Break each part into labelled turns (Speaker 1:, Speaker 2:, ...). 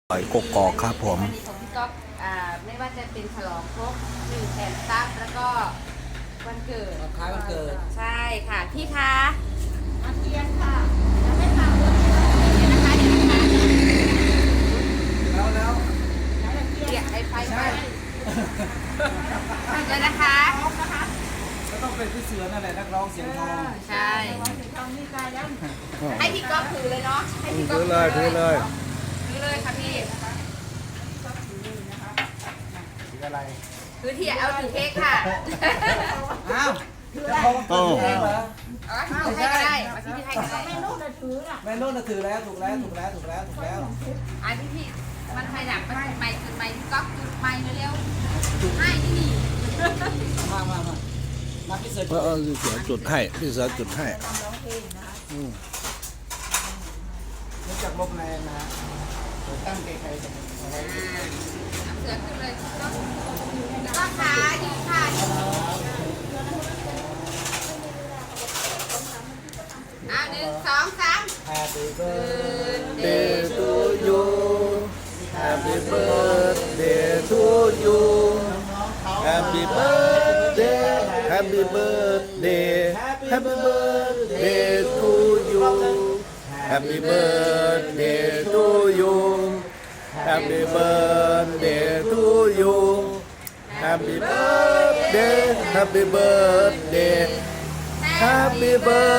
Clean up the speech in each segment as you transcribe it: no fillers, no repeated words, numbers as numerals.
Speaker 1: หอยกกอกครับผม
Speaker 2: วันนี้ของพี่ก๊อฟไม่ว่าจะเป็นฉลองครบ1 แสนซับแล้วก็วันเกิด
Speaker 3: คล้ายวันเกิด
Speaker 2: ใช่ค่ะพี่คะ
Speaker 4: อาเทียนค่ะยังไม่ทำเลย
Speaker 2: เดี๋ยวนะคะ
Speaker 3: แล้ว
Speaker 2: เดี๋ยวไอ้ไฟไปเดี๋ยวนะคะ
Speaker 3: ก็ต้องเป็นพี่เสือนั่นแหละนักร้องเสียงทอง
Speaker 2: ใช่
Speaker 4: ทำนี่กายแล้ว
Speaker 2: ให้พี่ก๊อฟถือเลยเนาะให้พี่ก๊
Speaker 1: ถื
Speaker 2: อฟ
Speaker 1: อเลยถือเลย
Speaker 2: ถือเลยค่ะพี่
Speaker 3: ถืออะไร
Speaker 2: ถือที่เอาถือเค้กค่ะ
Speaker 3: อ้าวจะพอวันเกิดตัวเองเหรอ
Speaker 2: เอาให้ก็ได้มาที่พี่ให้ก็ได้
Speaker 4: ไม่รู้จะถืออ่ะ
Speaker 3: แม่นุ่นน่ะถือแล้วถูกแล้วถูกแล้วถูกแล้วถูกแล้ว
Speaker 2: อันที่พี่มันใครหนักมันไม่จุดไม่พี่ก๊อฟจุดไม่เร็วๆให้ที่นี่
Speaker 3: มาพี่เสือ
Speaker 1: พี่เสือจุดให้พี่เสือจุดให้
Speaker 3: รู้จักลมแรงนะฮะตั้งใจใครจะอะไร
Speaker 2: เสือขึ้นเลยก็ขาดีค่ะ1 2 3
Speaker 3: Happy birthday
Speaker 2: Day
Speaker 1: to you Happy birthday to you Happy birthday Happy birthday Happy birthday to you Happy birthday to you Happy birthday to you Happy birthday Happy birthday Happy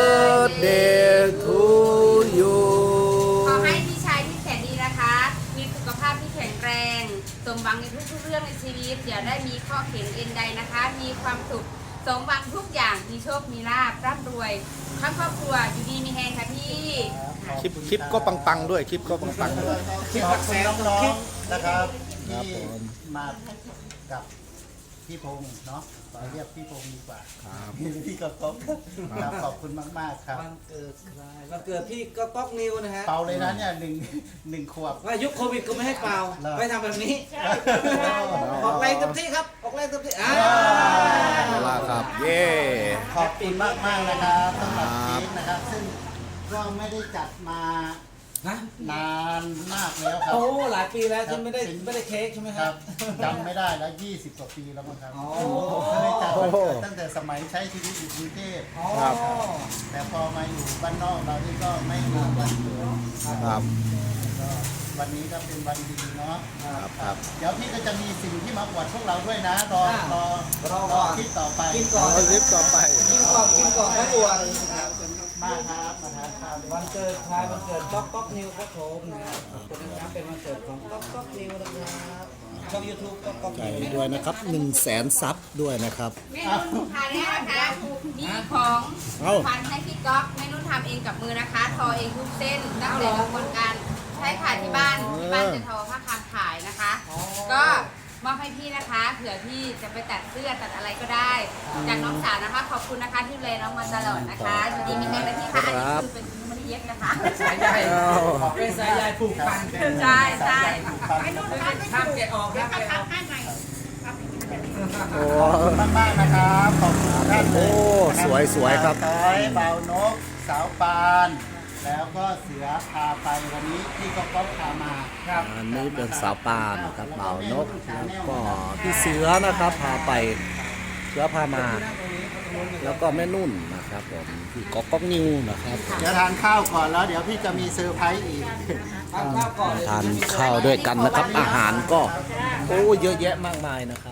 Speaker 1: birthday to you
Speaker 2: ขอให้พี่ชายที่แสนดีนะคะ มีสุขภาพที่แข็งแรง สมหวังในทุกๆเรื่องในชีวิต อย่าได้มีข้อเข็นเอ็นใดนะคะ มีความสุข สมหวังทุกอย่าง มีโชค มีลาภร่ำรวย ทั้งครอบครัว อยู่ดีมีแฮงค่ะพี่
Speaker 1: คลิปก็ปังๆด้วยคลิปก็ปังๆด้วย
Speaker 3: ขอบคุณน้องๆนะครับ
Speaker 1: ครับ
Speaker 3: ที่
Speaker 1: ผม
Speaker 3: มากับพี่พงษ์เนาะขอเรียกพี่พงษ์ดีกว่า
Speaker 1: ครับ
Speaker 3: พี่กระต๊อกครับขอบคุณมากๆครับ
Speaker 5: วันเกิดใครวันเกิดพี่ก็ป๊อกนิวนะฮะ
Speaker 3: เป่าเลยนะเนี่ยหนึ่งขวบ
Speaker 5: ว่ายุคโควิดก็ไม่ให้เป่า
Speaker 3: เหรอ
Speaker 5: ไม่ทำแบบนี้ ออกแรงเต็มที่ครับ ออกแรงเต็มที่
Speaker 1: เอาล่ะครับ เย้
Speaker 3: ขอบคุณมากๆนะครับสำหรับ
Speaker 1: ครั
Speaker 3: เค้
Speaker 1: บ
Speaker 3: กนะครับ ซึ่งก็ไม่ได้จัดมา
Speaker 5: ฮะ
Speaker 3: นานมากแล้วครับ
Speaker 5: โอ้หลายปีแล้วที่ไม่ได้เค้กใช่ไหม
Speaker 3: ค
Speaker 5: ค
Speaker 3: รั
Speaker 5: รั
Speaker 3: บบ จำไม่ได้แล้ว20 กว่าปีแล้วมั้งครับ
Speaker 5: อ๋อ
Speaker 3: ไม่ได้จัดวันเกิดตั้งแต่สมัยใช้ชีวิตอยู่กรุงเทพ
Speaker 1: ครับ
Speaker 3: แต่พอมาอยู่บ้านนอกเรานี่ก็ไม่มีวันเกิด
Speaker 1: ครับ
Speaker 3: ก็วันนี้ก็เป็นวันดีเนาะ
Speaker 1: ครับ
Speaker 3: เดี๋ยวพี่ก็จะมีสิ่งที่มาอวดพวกเราด้วยนะรอ
Speaker 5: รอก่อน
Speaker 3: คลิปต่อไป
Speaker 5: กินก่อน
Speaker 1: เอาคลิปต่อไป
Speaker 5: กินก่อนไม่อวด
Speaker 3: มากครับมาทานข้าวด้วย
Speaker 5: วันเกิดใครวันเกิดป๊อกป๊อกนิวครับผมนะครับขอบคุณนะครับเป็นวันเกิดของป๊อกป๊อกนิวนะครับช่องยูทูบป๊อกป๊อก
Speaker 1: ใจ
Speaker 5: นิว
Speaker 1: ด้วยนะครับ100,000 ซับด้วยนะครับ
Speaker 2: แม่นุ่นทานแล้วนะคะมีของ
Speaker 1: เอ้า
Speaker 2: พันให้พี่ก๊อฟแม่นุ่นทำเองกับมือนะคะ ทอเองทุกเส้นตั้งแต่กระบวนการใช้ค่ะที่บ้านจะทอผ้าคามขายนะคะ ก็มอบให้พี่นะคะ เผื่อพี่จะไปตัดเสื้อตัดอะไรก็ได้ จากน้องสาวนะคะ ขอบคุณนะคะที่ดูแลน้องมาตลอดนะคะอยู่ดีมีแรงและพี่ค่ะอันนี้คือเป็นมะลิเย็กนะคะ
Speaker 5: สายใยเป็นสายใยผูกพัน
Speaker 2: ใช่ใช่
Speaker 4: ไม่รู้ทำไม่
Speaker 5: ห้าม
Speaker 4: ถูก
Speaker 5: แกะออกห้ามแกะออก
Speaker 4: ให้ใหม่
Speaker 1: โอ้
Speaker 3: ขอบคุณมากๆนะครับขอบคุณทุกท่านเลย
Speaker 1: โอ้สวยๆครับ
Speaker 3: สาวต้อยเบานกสาวปาน แล้วก็เสือพาไปวันนี้พี่ก็พามา
Speaker 5: ครับ
Speaker 1: อันนี้เป็นสาวปานนะครับบ่าวนกแล้วก็พี่เสือนะครับพาไปเสือพามา แล้วก็แม่นุ่นนะครับผมพี่ก๊อกนิวนะครับ
Speaker 3: เดี๋ยวทานข้าวก่อนแล้วเดี๋ยวพี่จะมีเซอร์ไพรส์อีก
Speaker 5: ทานข้าวก่อน
Speaker 1: ทานข้าวด้วยกันนะครับ อาหารก็โอ้เยอะแยะมากมายนะครับ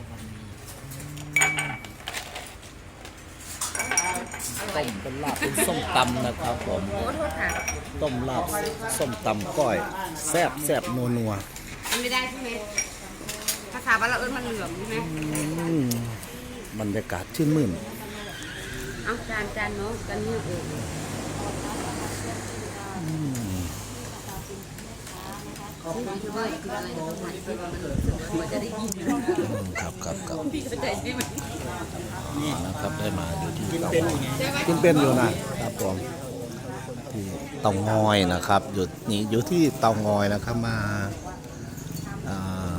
Speaker 1: วันนี้ต้มเป็นลาบเป็นส้มตำนะครับผม
Speaker 2: โอ้โทษค่ะ
Speaker 1: ต้มลาบส้มตำก้อยแซ่บแซ่บนัวนัว
Speaker 2: มันไม่ได้ใช่ไหมภาษาบ้านเราเอิ้นมันเหลือมใช่ไหม
Speaker 1: บรรยากาศชื่นมื่น
Speaker 2: เอาจานเนาะจานนี้เออคือว่าคืออะไรตรงไหนที่มันจะได้ยิน
Speaker 1: ครับครับครับ
Speaker 2: พี่เข้าใจใช่ไหม
Speaker 1: นะครับได้มาอยู่ที่เตา
Speaker 2: ใช่ไหม
Speaker 1: กินเป็นอยู่นะครับผมที่เตางอยนะครับอยู่ที่เตางอยนะครับมาอ่า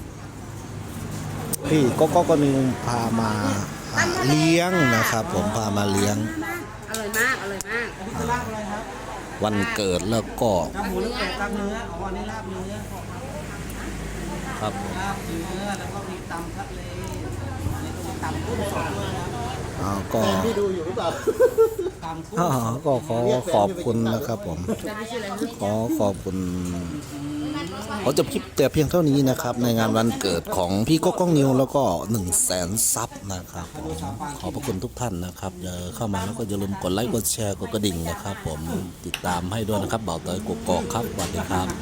Speaker 1: พี่ก็นิวพามาเลี้ยงนะครับ ผมพามาเลี้ยง
Speaker 2: อร่อยมากอร่อยมาก
Speaker 5: ลาบอะไรครับ
Speaker 1: วันเกิดแล้วก็
Speaker 5: ลาบหมูหรือแกะลาบเนื้ออ๋ออันนี้ลาบเนื้อ
Speaker 1: ครับผม
Speaker 5: ลาบเนื้อแล้วก็มีตำทะเลนี่ก็มีตำกุ้งสดด้วยนะ
Speaker 1: ก็
Speaker 3: แฟนพี่ดูอยู่หรือเปล่า
Speaker 5: ตำกุ้ง
Speaker 1: ก็ขอบคุณนะครับผม ขอบคุณขอจบคลิปแต่เพียงเท่านี้นะครับ ในงานวันเกิดของพี่ก๊อกก้องนิวแล้วก็100,000 ซับนะครับผมขอบพระคุณทุกท่านนะครับเข้ามาแล้วก็อย่าลืมกดไลค์กดแชร์กดกระดิ่งนะครับผมติดตามให้ด้วยนะครับเบาเตยกกอกครับสวัสดีครับ